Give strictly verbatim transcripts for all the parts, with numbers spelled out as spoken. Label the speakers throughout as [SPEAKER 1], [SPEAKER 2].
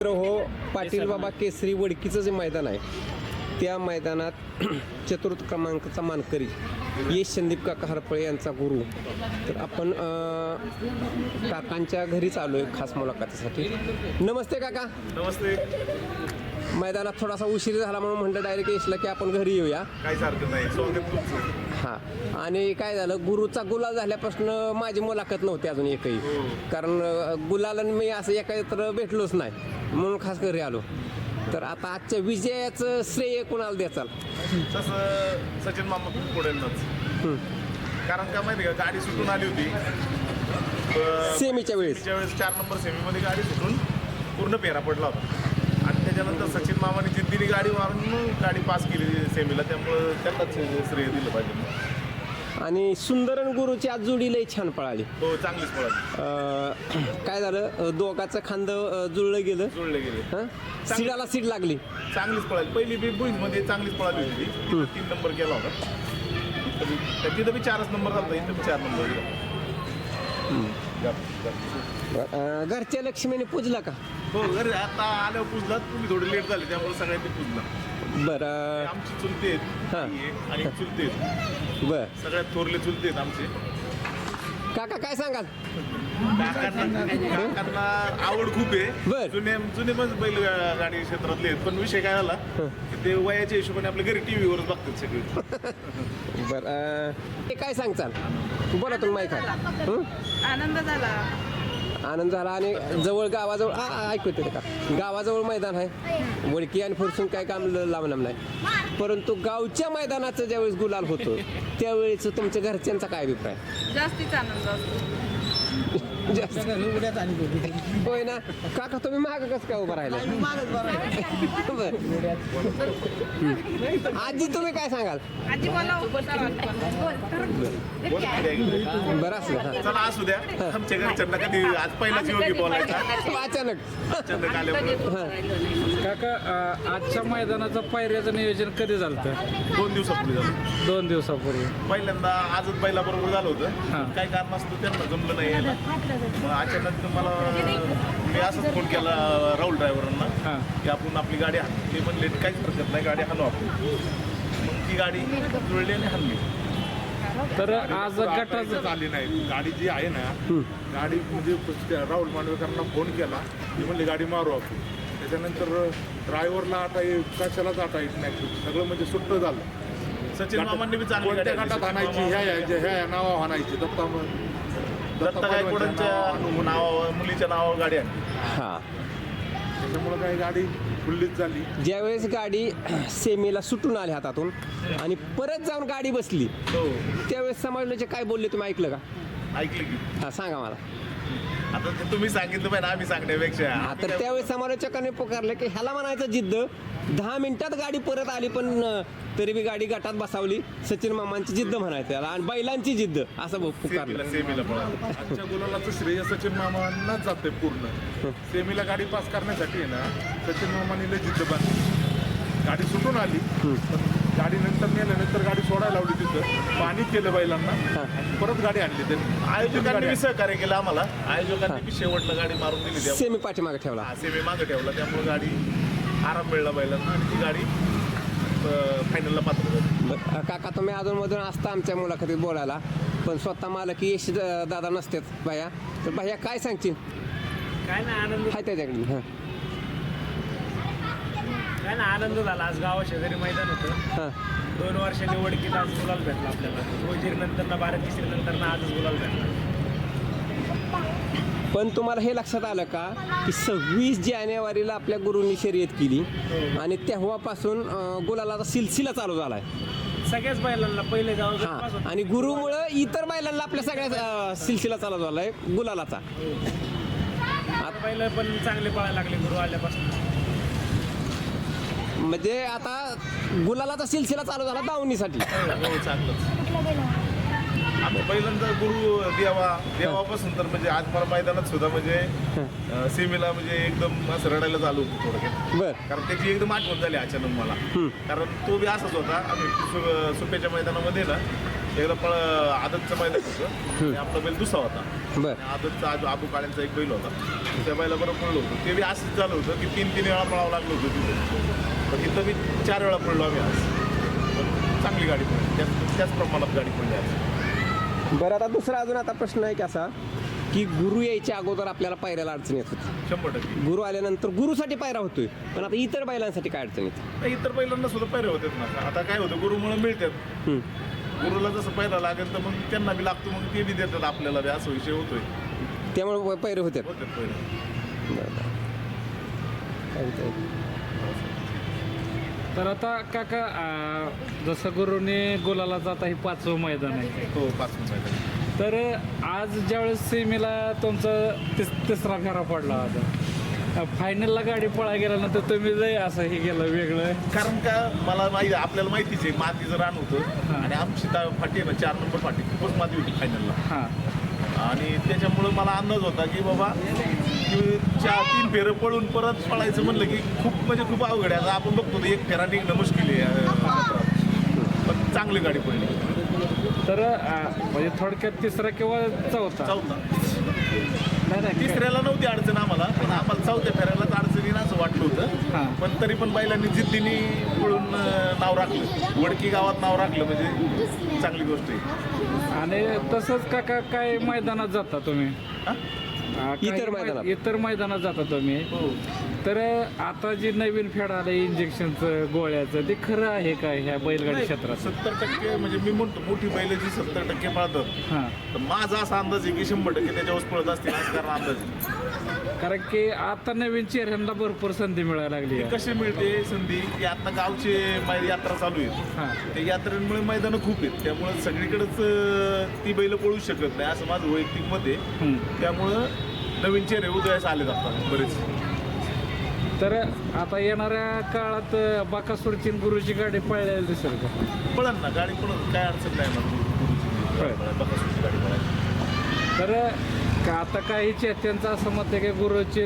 [SPEAKER 1] हो पाटील बाबा केसरी वडकीचं जे मैदान आहे त्या मैदानात चतुर्थ क्रमांकाचा मानकरी यश संदीप काका हरपळे यांचा गुरु. तर आपण अ, काकांच्या घरीच आलो आहे खास मुलाखतीसाठी. नमस्ते काका.
[SPEAKER 2] नमस्ते.
[SPEAKER 1] मैदानात थोडासा उशीर झाला म्हणून म्हटलं डायरेक्ट यशला की आपण घरी येऊया.
[SPEAKER 2] काहीच हरकत नाही, स्वागत तुमचं.
[SPEAKER 1] हां, आणि काय झालं, गुरुचा गुलाल झाल्यापासून माझी मुलाखत नव्हती अजून एकही, कारण अ, गुलाल मी असं एकत्र भेटलोच नाही म्हणून खास घरी आलो. तर आता आजच्या विजयाचं श्रेय कोणाला द्याचाल?
[SPEAKER 2] तसं सचिन मामा पुढेच. कारण का माहिती का, गाडी सुटून आली होती अ,
[SPEAKER 1] सेमीच्या वेळेस
[SPEAKER 2] सेमीच्या वेळेस चार नंबर सेमीमध्ये गाडी सुटून पूर्ण पेरा पडला होता आणि त्याच्यानंतर सचिन मामाने जिद्दीने गाडी मारून गाडी पास केली सेमीला, त्यामुळं त्यांनाच श्रेय दिलं पाहिजे.
[SPEAKER 1] आणि सुंदरन गुरुची आज जोडी लई छान पळाली.
[SPEAKER 2] हो, चांगलीच पळाली.
[SPEAKER 1] अ, काय झालं, अ, दोघाचं खांदं अ, जुळलं गेलं,
[SPEAKER 2] जुळले गेले.
[SPEAKER 1] हं? सीडाला सीड लागली.
[SPEAKER 2] चांगलीच पळाली. पहिली बी बुईंजमध्ये चांगलीच पळाली होती ती. तीन नंबर केला होता. तर तिथं बी चारच नंबर झाला, इथं बी चार नंबर गेला.
[SPEAKER 1] अ, घरच्या लक्ष्मीने पूजला का?
[SPEAKER 2] हो, घरी आता आल्यावर पुजला. तुम्ही थोडी लेट झाली त्यामुळे सगळ्यांनी पुजला.
[SPEAKER 1] बरं.
[SPEAKER 2] आमची चुलते आहेत
[SPEAKER 1] हां.
[SPEAKER 2] आणि एक चुलते आहेत.
[SPEAKER 1] बर
[SPEAKER 2] सगळ्यात थोरले चुलते आहेत आमचे.
[SPEAKER 1] काका काय सांगाल?
[SPEAKER 2] काकांना काकांना आवड खूप आहे.
[SPEAKER 1] बर.
[SPEAKER 2] जुने जुने पण बैल गाडी क्षेत्रातले आहेत, पण विषय काय झाला की ते वयाच्या हिशोबाने आपल्या घरी टीव्हीवरच बघतात सगळे.
[SPEAKER 1] बर, अ, ते काय सांगचाल? बोला तुम्ही माहीत आहे. हं?
[SPEAKER 3] आनंद झाला.
[SPEAKER 1] आनंद झाला. आणि जवळ गावाजवळ आ, आ, ऐकू येते का, गावाजवळ मैदान आहे, वडकी आणि फुरसून काय काम ल- लांब नाही, परंतु गावच्या मैदानाचं ज्यावेळेस गुलाल होतो त्यावेळेस तुमच्या घरच्यांचा काय अभिप्राय?
[SPEAKER 3] जास्तीच आनंद असतो.
[SPEAKER 1] जास्त होय ना काका, तुम्ही माग कसं काय उभं राहिला? बरं. हं. आजी तुम्ही काय सांगाल?
[SPEAKER 3] आजी मला
[SPEAKER 1] बरं असलं. हां.
[SPEAKER 2] चला असू द्या, आमच्या घरच्यांना कधी आज पहिलाच योगी बोलायचा
[SPEAKER 1] अचानक
[SPEAKER 2] अचानक आल्यामुळे.
[SPEAKER 4] काका, अ, आजच्या मैदानाचं पायऱ्याचं नियोजन कधी झालं होतं?
[SPEAKER 2] दोन दिवसापूर्वी झालं.
[SPEAKER 4] दोन दिवसापूर्वी.
[SPEAKER 2] पहिल्यांदा आजच बैलाबरोबर झालं
[SPEAKER 4] हां.
[SPEAKER 2] होतं. काही कारण असतं त्यांना जमलं नाही यायला. मग अचानक मला मी असंच फोन केला राहुल ड्रायव्हरांना
[SPEAKER 4] हां.
[SPEAKER 2] की आपण आपली गाडी हाण. ते म्हणले काहीच हरकत नाही, गाडी हाणू आपण. मग ती गाडी जुळली आणि हाणली.
[SPEAKER 4] तर आज गटाचं
[SPEAKER 2] गटाचं आली नाही गाडी जी आहे ना, गाडी म्हणजे त्या राहुल मांडवेकरांना फोन केला, ती म्हणली गाडी मारू आपण. त्याच्यानंतर ड्रायव्हरला आता ये- कशालाच आता येत नाही, सगळं म्हणजे सुट्ट झालं. सचिन मामांनी बी चांगली गाडी गटात आणायची, ह्या ह्या ह्या नावा आणायची. दत्ता दत्ता गायकवाडांच्या नावा मुलीच्या नावावर गाडी आणली.
[SPEAKER 1] हां.
[SPEAKER 2] त्याच्यामुळं काही गाडी फुल्लीच झाली.
[SPEAKER 1] ज्यावेळेस गाडी सेमीला सुटून आली हातातून आणि परत जाऊन गाडी बसली
[SPEAKER 2] हो,
[SPEAKER 1] त्यावेळेस समाजचे काय बोलले तुम्ही ऐकलं का?
[SPEAKER 2] ऐकलं की.
[SPEAKER 1] हां, सांगा मला.
[SPEAKER 2] आता ते तुम्ही सांगितलं पाहिजे आम्ही सांगण्यापेक्षा.
[SPEAKER 1] हा, तर त्यावेळेस समालोचकांनी पुकारले की ह्याला म्हणायचं जिद्द. दहा मिनिटात गाडी परत आली पण अं, तरी बी गाडी गटात बसावली. सचिन मामांची जिद्द म्हणायचं त्याला, आणि बैलांची जिद्द असं पुकारलं.
[SPEAKER 2] सेमीला सेमीला पळाला. आजच्या गुलालाचं श्रेय सचिन मामांनाच जाते पूर्ण. सेमीला गाडी पास करण्यासाठी आहे ना, सचिन मामाने लय जिद्द बांधली. गाडी सुटून आली, पण गाडी नंतर नेल्यानंतर गाडी सोडायला लावली तिथं, पाणी केलं बैलांना आणि परत गाडी आणली त्यांनी. आयोजकांनी बी सहकार्य केलं आम्हाला. आयोजकांनी बी शेवटला गाडी मारून दिली. त्या
[SPEAKER 1] सेमी पाठीमागे ठेवला.
[SPEAKER 2] हा, सेमी मागं ठेवला, त्यामुळे गाडी आराम मिळला बैलांना आणि ती गाडी फायनलला पात्र झाली.
[SPEAKER 1] बरं, काका तुम्ही अधूनमधून असता आमच्या मुलाखतीत बोलायला, पण स्वतः मला की यश द- दादा नसतेच भैया, तर भैया काय सांगशील?
[SPEAKER 4] काय ना आनंद
[SPEAKER 1] हाय त्याच्याकडे. हां
[SPEAKER 4] काय ना आनंद झाला. आज गावा शेजारी मैदान होतं.
[SPEAKER 1] हां.
[SPEAKER 4] दोन वर्षांनी वडकीत आज गुलाल भेटला आपल्याला. वजीर नंतर ना बारा तिसरी नंतर ना आजच गुलाल भेटला.
[SPEAKER 1] पण तुम्हाला हे लक्षात आलं का की सव्वीस जानेवारीला आपल्या गुरूंनी शर्यत केली आणि तेव्हापासून अं, गुलालाचा सिलसिला चालू झाला आहे.
[SPEAKER 4] सगळ्याच बैलांना पहिले गाव
[SPEAKER 1] हां, आणि गुरुमुळं इतर बैलांना आपल्या सगळ्या अं, सिलसिला चालू झाला आहे गुलालाचा.
[SPEAKER 4] बैल पण चांगले पळायला लागले गुरु आल्यापासून.
[SPEAKER 1] म्हणजे आता गुलालाचा सिलसिला चालू झाला दावणीसाठी.
[SPEAKER 2] हो, चांगलंच. आम्ही पहिल्यांदा गुरु देवा देवापासून तर म्हणजे आज मला मैदानात सुद्धा म्हणजे अं, सीमेला म्हणजे एकदम असं रडायला चालू होतं थोडक्यात.
[SPEAKER 1] बर.
[SPEAKER 2] कारण त्याची एकदम आठवण झाली अचानक मला. कारण तो बी असाच होता. आम्ही सु- सुप्याच्या मैदानामध्ये ना एकदा पळ आदतचं मैदान होतं, आणि आपला बैल दुसरा होता.
[SPEAKER 1] बरं.
[SPEAKER 2] आणि आदतचा आजू आबू काळ्यांचा एक बैल होता त्या बैलाबरोबर पळलो होतो ते बी असंच झालं होतं की तीन तीन वेळा पळावं लागलं होतं तिथं पण इथं बी चार वेळा पळलो आम्ही आज पण चांगली गाडी पडली त्याच त्याच प्रमाणात गाडी पडली आज.
[SPEAKER 1] बरं आता दुसरा अजून आता प्रश्न आहे की असा की गुरु यायच्या अगोदर आपल्याला पायऱ्याला अडचण येत होती,
[SPEAKER 2] शंभर टक्के
[SPEAKER 1] गुरु आल्यानंतर गुरुसाठी पायरा होतोय, पण आता इतर बैलांसाठी काय अडचण येते?
[SPEAKER 2] नाही, इतर बैलांना सुद्धा पैरे होतात ना. आता काय होतं गुरुमुळे मिळतात
[SPEAKER 1] हं.
[SPEAKER 2] गुरुला जसं पैरा लागेल तर मग त्यांना बी लागतो मग ते बी देतात आपल्याला बी असा विषय होतोय
[SPEAKER 1] त्यामुळे पैरे होते.
[SPEAKER 2] होतात पैरे.
[SPEAKER 5] तर आता काका अं, जसं गुरुने गुलाला जाता हे पाचवं मैदान आहे,
[SPEAKER 2] हो पाच मिनिटं
[SPEAKER 5] तर आज ज्यावेळेस सेमीला तुमचा तिस तिसरा फेरा पडला होता, फायनलला गाडी पळा गेल्यानंतर तुम्ही लय असं हे गेलं वेगळं.
[SPEAKER 2] कारण का मला माहिती आपल्याला माहितीच आहे मातीचं रान होतं आणि आमची ता- फाटी आहे ना चार नंबर फाटी खूपच माती होती फायनलला
[SPEAKER 5] हां
[SPEAKER 2] आणि त्याच्यामुळं मला अंदाज होता की बाबा की चार तीन फेरं पळून परत पळायचं म्हणलं की खूप म्हणजे खूप अवघड आहे. आता आपण बघतो एक फेरा निघणं मुश्किल आहे अं, पण चांगली गाडी पडली.
[SPEAKER 5] तर अं, म्हणजे थोडक्यात तिसरा किंवा चौथा
[SPEAKER 2] चौथा
[SPEAKER 5] नाही नाही
[SPEAKER 2] तिसऱ्याला नव्हती अडचण आम्हाला पण आम्हाला चौथ्या फेऱ्यालाच अडचणीनं असं वाटलं होतं
[SPEAKER 5] हां.
[SPEAKER 2] पण तरी पण बैलांनी जिद्दीने पळून अं, नाव राखलं वडकी गावात नाव राखलं म्हणजे चांगली गोष्ट आहे.
[SPEAKER 5] आणि तसंच काका काय मैदानात जाता तुम्ही?
[SPEAKER 2] हा?
[SPEAKER 5] अं, काही
[SPEAKER 1] इतर
[SPEAKER 5] मै-
[SPEAKER 1] मैदानात.
[SPEAKER 5] इतर मैदानात जाता तुम्ही,
[SPEAKER 2] हो
[SPEAKER 5] तर आता जे नवीन फेड आलं इंजेक्शनचं गोळ्याचं ते खरं आहे का ह्या बैलगाडी क्षेत्रात?
[SPEAKER 2] सत्तर टक्के म्हणजे मी म्हणतो मोठी बैल जी सत्तर टक्के पळतात
[SPEAKER 5] हां,
[SPEAKER 2] तर माझा असा अंदाज आहे की शंभर टक्के त्याच्यावर पळत असतील असं कारण अंदाज आहे.
[SPEAKER 5] कारण की आता नवीन चेहऱ्यांना भरपूर संधी मिळायला लागली
[SPEAKER 2] ती
[SPEAKER 5] आहे.
[SPEAKER 2] कशी मिळते संधी की आता गावचे मै- यात्रा चालू आहे
[SPEAKER 5] हां,
[SPEAKER 2] त्या यात्रेमुळे मैदानं खूप आहेत त्यामुळे सगळीकडेच अं, ती बैल पळू शकत नाही असं माझं वैयक्तिक मत आहे.
[SPEAKER 5] हं.
[SPEAKER 2] त्यामुळं नवीन चेहरे उदयास आले जातात बरेच.
[SPEAKER 5] तर आता येणाऱ्या काळात बाकासुरची आणि गुरुची गाडी पळायला दिसेल का?
[SPEAKER 2] पळण ना गाडी पळत काय अडचण नाही
[SPEAKER 5] होय.
[SPEAKER 2] ना बघा गाडी पळायची.
[SPEAKER 5] तर का आता काही चेत्यांचं असं मत आहे की गुरुची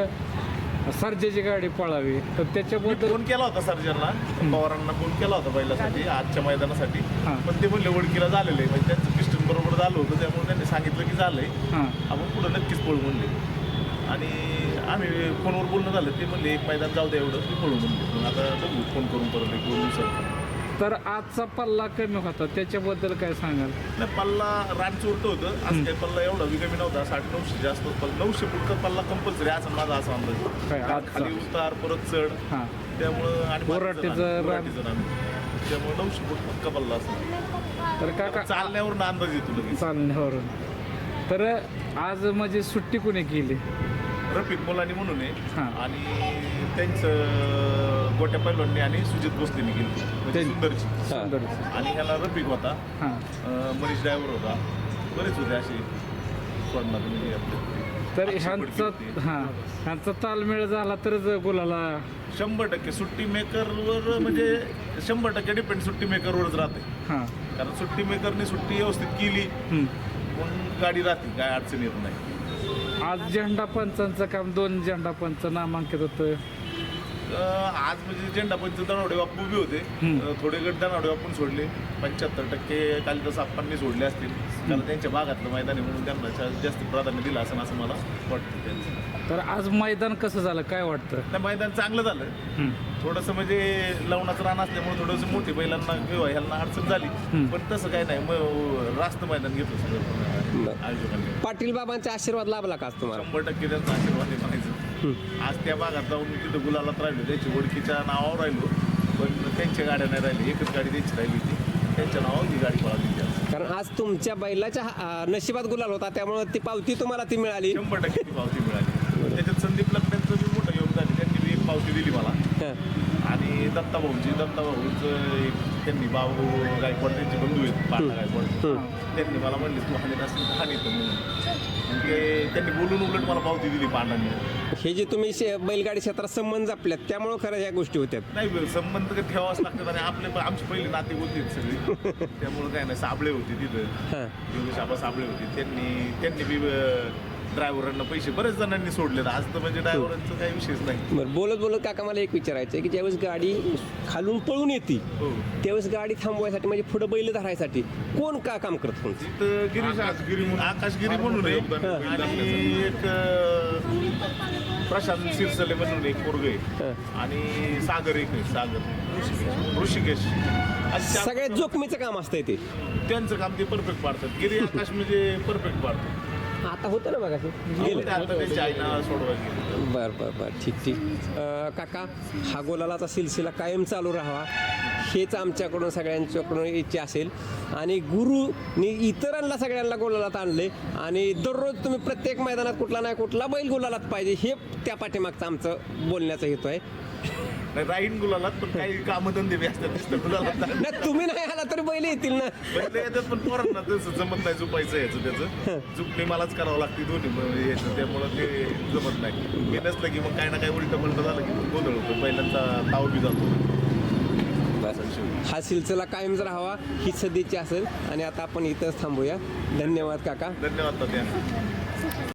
[SPEAKER 5] न सर्जेची गाडी पळावी, तर
[SPEAKER 2] मी
[SPEAKER 5] त्याच्याबद्दल
[SPEAKER 2] फोन केला होता सर्जनला पवारांना फोन केला होता बैलासाठी आजच्या मैदानासाठी
[SPEAKER 5] हां.
[SPEAKER 2] पण ते म्हणले वडकीला झालेलं आहे म्हणजे त्यांचं पिस्टन बरोबर झालं होतं त्यामुळे त्यांनी सांगितलं की झालंय
[SPEAKER 5] हां,
[SPEAKER 2] आपण पुढं नक्कीच पळू म्हणले आणि आम्ही फोनवर बोलणं झालं ते म्हणले एक मैदान जाऊ द्या एवढं मी पळू म्हणले मग आता बघू फोन करून परत एक दोन दिवसात.
[SPEAKER 5] तर आजचा पल्ला कमी होता त्याच्याबद्दल काय सांगाल?
[SPEAKER 2] नाही पल्ला रान चोरतं होतं आज काही पल्ला एवढा बी कमी नव्हता साडे नऊशे जास्त पण नऊशे फुटका पल्ला कंपल्सरी असं माझा असा अंदाज
[SPEAKER 5] काय
[SPEAKER 2] आहे.
[SPEAKER 5] आजचा?
[SPEAKER 2] खाली उतार परत चढ
[SPEAKER 5] हां,
[SPEAKER 2] त्यामुळं आणि मातीचं
[SPEAKER 5] बोराटीचं
[SPEAKER 2] रान,
[SPEAKER 5] रान.
[SPEAKER 2] बोराटीचं रान. त्यामुळे नऊशे फूट पक्का पल्ला असतो
[SPEAKER 5] तर काका
[SPEAKER 2] चालण्यावरून अंदाज येतो लगेच.
[SPEAKER 5] चालण्यावरून तर आज म्हणजे सुट्टी कोणी केली?
[SPEAKER 2] रफिक मुलांनी म्हणून आहे
[SPEAKER 5] हां.
[SPEAKER 2] आणि त्यांचं गोट्या पैलवांनी आणि सुजित भोसलेनी केली म्हणजे
[SPEAKER 5] ते-
[SPEAKER 2] सुंदरची
[SPEAKER 5] सुंदर.
[SPEAKER 2] आणि ह्याला रफिक होता
[SPEAKER 5] हां,
[SPEAKER 2] अं, मनीष ड्रायव्हर होता बरेच होते असे सोडणार म्हणजे आपले.
[SPEAKER 5] तर
[SPEAKER 2] अक्षय फडके
[SPEAKER 5] ह्यांचा
[SPEAKER 2] होते.
[SPEAKER 5] हां ह्यांचा तालमेळ झाला तरच गुलाला.
[SPEAKER 2] शंभर टक्के सुट्टी मेकरवर म्हणजे शंभर टक्के डिपेंड सुट्टी मेकरवरच राहते
[SPEAKER 5] हां,
[SPEAKER 2] कारण सुट्टी मेकरने सुट्टी व्यवस्थित केली
[SPEAKER 5] हं.
[SPEAKER 2] म्हणून गाडी राहते काय अडचण येत नाही.
[SPEAKER 5] आज झेंडा पंचांचं काम दोन झेंडा पंच नामांकित होतं.
[SPEAKER 2] अं, आज म्हणजे झेंडा पंच दनावडे बापू बी होते
[SPEAKER 5] हम्म.
[SPEAKER 2] अं, थोडे गट दनावडे बापून सोडले पंच्याहत्तर टक्के कालिदास आप्पांनी सोडले असतील कारण त्यांच्या भागातलं मैदान आहे म्हणून त्यांना जा- जास्त प्राधान्य दिलं असं असं मला वाटतं त्यांचं.
[SPEAKER 5] तर आज मैदान कसं झालं काय वाटतं?
[SPEAKER 2] नाही मैदान चांगलं झालं
[SPEAKER 5] हं.
[SPEAKER 2] थोडंसं म्हणजे लवणाचं रान असल्यामुळे थोडंसं मोठी बैलांना किंवा ह्यांना अडचण झाली
[SPEAKER 5] हम्म.
[SPEAKER 2] पण तसं काही नाही मग रास्त मैदान घेतलं सगळं
[SPEAKER 1] बरं.
[SPEAKER 2] आयोजकांनी.
[SPEAKER 1] पाटील बाबांचा आशीर्वाद लाभला का आज तुम्हाला?
[SPEAKER 2] शंभर टक्के त्यांचा आशीर्वाद आहे म्हणायचं.
[SPEAKER 1] हं.
[SPEAKER 2] आज त्या भागात जाऊन मी तिथं गुलालात राहिलो त्याची ओळखीच्या नावावर राहिलो पण त्यांच्या गाड्या नाही राहिली एकच गाडी त्यांची राहिली होती त्यांच्या नावावर ही गाडी पळाली होती आज.
[SPEAKER 1] कारण आज तुमच्या बैलाच्या अं, नशिबात गुलाल होता त्यामुळे ती पावती तुम्हाला ती मिळाली.
[SPEAKER 2] शंभर टक्के ती पावती मिळाली त्याच्यात संदीप लग्नांचं बी मोठं योगदान आहे त्यांनी बी एक पावती दिली मला
[SPEAKER 1] हां.
[SPEAKER 2] आणि दत्ताभाऊंची दत्ताभाऊंचं एक त्यांनी बाबू गायकवाड त्यांचे बंधू आहेत पांडा गायकवाड
[SPEAKER 1] हं.
[SPEAKER 2] त्यांनी मला म्हणले तू हानी नसेल तर हानी तर म्हणून मग ते त्यांनी बोलून उलट मला पावती दिली पांडांनी.
[SPEAKER 1] हे जे तुम्ही शे- बैलगाडी क्षेत्रात संबंध जपल्यात त्यामुळं खरं ह्या गोष्टी होत्यात.
[SPEAKER 2] नाही संबंध काही ठेवावंच लागतात आणि आपले पण आमची पहिली नाते होती सगळी त्यामुळे काय नाही साबळे होते तिथं
[SPEAKER 1] हां.
[SPEAKER 2] योगेश आबा साबळे होते त्यांनी त्यांनी बी अं,
[SPEAKER 6] ड्रायव्हरांना पैसे बरेच जणांनी सोडले आज तर म्हणजे ड्रायव्हरांचा काही विषयच नाही.
[SPEAKER 1] बरं बोलत बोलत काका मला एक विचारायचं आहे की ज्यावेळेस गाडी खालून पळून येते
[SPEAKER 6] हो
[SPEAKER 1] त्यावेळेस गाडी थांबवायसाठी म्हणजे पुढं बैल धरायसाठी कोण का काम करत कोण
[SPEAKER 6] तिथं गिरीश
[SPEAKER 2] आकाशगिरी म्हणून-
[SPEAKER 6] आकाशगिरी म्हणून आहे आणि एक अं, प्रशांत सिरसले म्हणून एक पोरग आहे आणि सागर एक आहे सागर ऋषिकेश अशी चार-
[SPEAKER 1] सगळ्यात जोखमीचं काम असतंय ते
[SPEAKER 6] त्यांचं काम ते परफेक्ट पाडतात गिरी आकाश म्हणजे परफेक्ट पाडतात.
[SPEAKER 1] आता होतं ना बघा ते गेलं
[SPEAKER 6] ते आता त्यांची आईना सोडवायला गेली.
[SPEAKER 1] बर बर बर ठीक ठीक अं, काका हा गोलालाचा सिलसिला कायम चालू राहावा हेच आमच्याकडून सगळ्यांच्याकडून इच्छा असेल आणि गुरुनी इतरांना सगळ्यांना गोलालात आणले आणि दररोज तुम्ही प्रत्येक मैदानात कुठला नाही कुठला बैल गोलालात पाहिजे हे त्या पाठीमागचं आमचं बोलण्याचा हेतू आहे.
[SPEAKER 6] नाही राहीन गुलालात पण काही कामधंदे बी असतात नुसतं गुलालात
[SPEAKER 1] नाही तुम्ही नाही आला तरी बैल येतील ना.
[SPEAKER 6] पहिले येतात पण पोरांना तसं जमत नाही झुपायचं याचं त्याचं झुपणी मलाच करावं लागते दोन्ही म्हणजे याचं त्यामुळं ते जमत नाही. मी नसलं की मग काही ना काही उलटं पलटं झालं की गोंधळ होतो पहिल्यांदा ताव बी जातो.
[SPEAKER 1] हा सिलसिला कायमच राहावा ही सदिच्छा असेल आणि आता आपण इथंच थांबूया. धन्यवाद काका.
[SPEAKER 6] धन्यवाद तात्या.